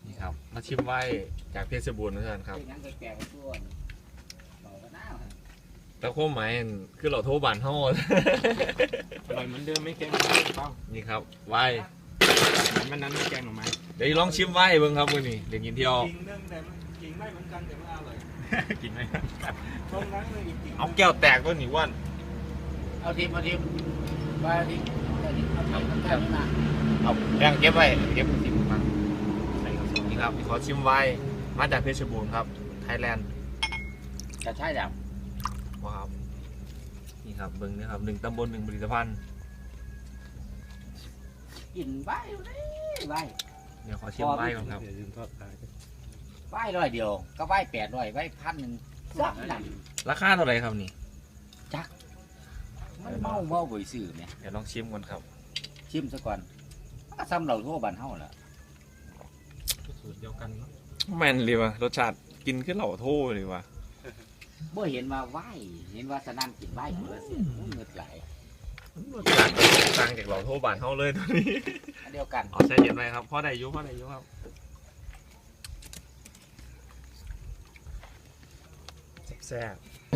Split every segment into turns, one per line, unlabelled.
นี่ครับมาชิมไว้จากเพชรบูรณ์เหมือนกันครับแล้วโค้งไม้คือเราโทรบานเท่า
อร่อยเหมือนเดิมไม่แกงหน่อไม้เปล่า
นี่ครับไว้
มันนั้นไม่แกงหน่อไม้
เดี๋ยวลองชิมไว้เบิ่งครับมื้อนี้เดี๋ยวกินเที่ยว
กินเรื่องแต่กินไม่เหมือนกันแต่ว่าอร่อย
กินไหม
ตรงนั้นเลยจริง
เอาแก้วแตกตัวนี้ว่าน
เอาทีมไปเอาทีมแค่นี้นะ
เอาแบ่งเก็บไว้เก็บสิบมันใส่กระสุนนี่ครับขอชิมไว้มาจากเพชรบูรณ์ครับไทยแลนด์
จะใช่แบบ
ว้าวนี่ครับเบิ่งนี่ครับ1 ตำบล 1 ผลิตภัณฑ์
กินใบเลยใบ
เดี๋ยวขอชิมไว้ก่อนครับ
อย่าลืมทอดปลา
ใบร้อยเดียวก็ใบ800ใบ1,000สักหนัง
ราคาเท่าไหร่ครับนี่
มันเมาบ่อยสื่อเนี่ย
เดี๋ยวลองชิมก่อนครับ
ชิมซะก่อนก็ซ้ำเราทั่วบ้านเฮาแหละ
สูตรเดียวกันเนาะ
แม่นเลยว่ะรสชาติกินขึ้นเหล่าโทเลยว่ะ
บ่เห็นว่าไหวเห็นว่าสนั่นกินไหวคนละเสียเงือไหล
รสชาติต่างจากเหล่าโทบานเฮาเลยตัวนี้
อันเดียวกัน
อ๋อใช่เย็นไหมครับพ่อได้อยุครับแซ่บ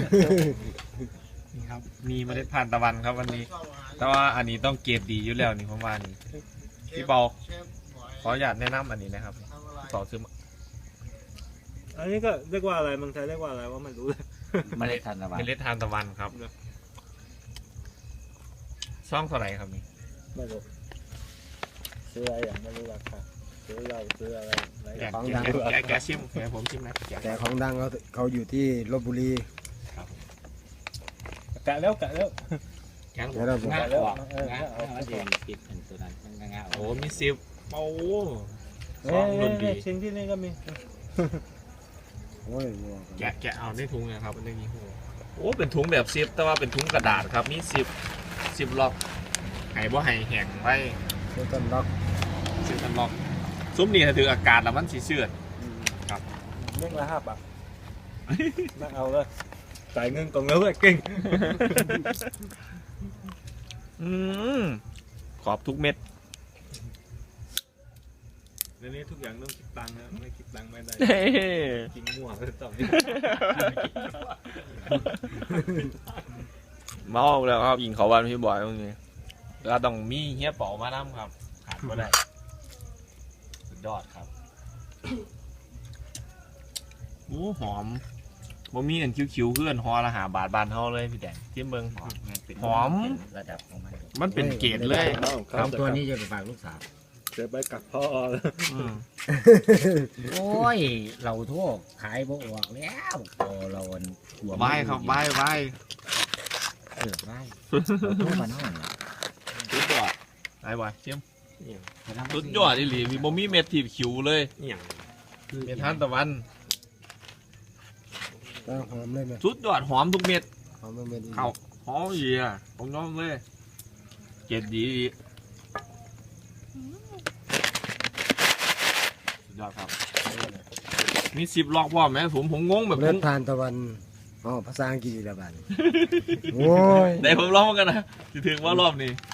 นี่ครับมีเมล็ดพันธุ์ตะวันครับวันนี้ แต่ว่าอันนี้ต้องเกรดดีอยู่แล้วนี่ผมว่านี่พี่เปาขออนุญาตแนะนำอันนี้นะครับพี่เปาซื้อมา
อันนี้ก็เรียกว่าอะไรเมืองไทยเรียกว่าอะไรว่าไม่รู้เลย
เมล็ดทานตะวัน
เมล็ดทานตะวันครับช่องเท่าไหร่ครับนี่
ไม่รู้ซื้ออะไรอย่างไม่รู้ราคาซื้อเราซื้ออะไร
แกชิมแกผมชิมนะแก
แต่ของดังเขาอยู่ที่ลบบุรี
กะแล้วกะแล้ว
แกง
เดี๋ยวเราบอก
งาออกงามันจะติดเป็นตัวนั้นมันงาอ
โอ้
อก
มีซิบโอ้
เอ้
ซองดนดี
ยชิ้นที่นี่ก็มี
โอ้ยวัว
แกะเอาในถุงนะครับอันนี้โอ้เป็นถุงแบบซิปแต่ว่าเป็นถุงกระดาษครับมีสิบล็อกไห้บ่ไห้แห้งไว้
เซตันล็อก
ซิปกันล็อกซุ้มนี่ถ้าถืออากาศแล้วมันสีเสื่อด
เม่งละ5 บาทนั่งเอาเลยจ่ายเงินก่อนแล้วเลยเก่ง
ขอบทุกเม็ด
เดี๋ยวนี้ทุกอย่างต้องคิดตังค์นะไม่คิดตังค์ไม่ได้
เฮ้
กินมั่วไปต่อ
เมาแล้วครับยิงเขาวันพี่บอยตรงนี้เราต้องมีเฮียเป๋ามาน้ำครับขาดก็ได้สุดยอดครับโอ้หอมบ่มีอันคิ้วๆเพื่อนฮอละหาบาทบานเท่าเลยพี่แดงจิ้มเบิ้งหอม
ระดับของมัน
มันเป็นเกรดเลย
สองตัวนี้จะไปฝากลูกสาว
เดี๋ยวไปกับพ่อ
อืม
โอ้ยเราทั่วขายบ่ออกแล้วพอเราหัว
ใบครับใบ
ใบเราทั่วบ้านเฮาแหละ
สุดยอดใบจิ้มสุดยอดอีหลีมีบ่มีเม็ดที่คิ้วเลย
อย่าง
เม็ดทานตะวัน
ตั้งหอมเลยไหม
สุดยอดหอมทุกเม็ด
หอมมันเป็น
เข้าหอมเยียผมน้องเลยเกรดดีสุดยอดครับมี10 ล็อกว่าไหมผมงงแบบ
เมล็ดทานตะวันอ๋อภาษาอังกฤษละบาทโอ้ย
ได้ผมลองกันนะถึงว่ารอบนี้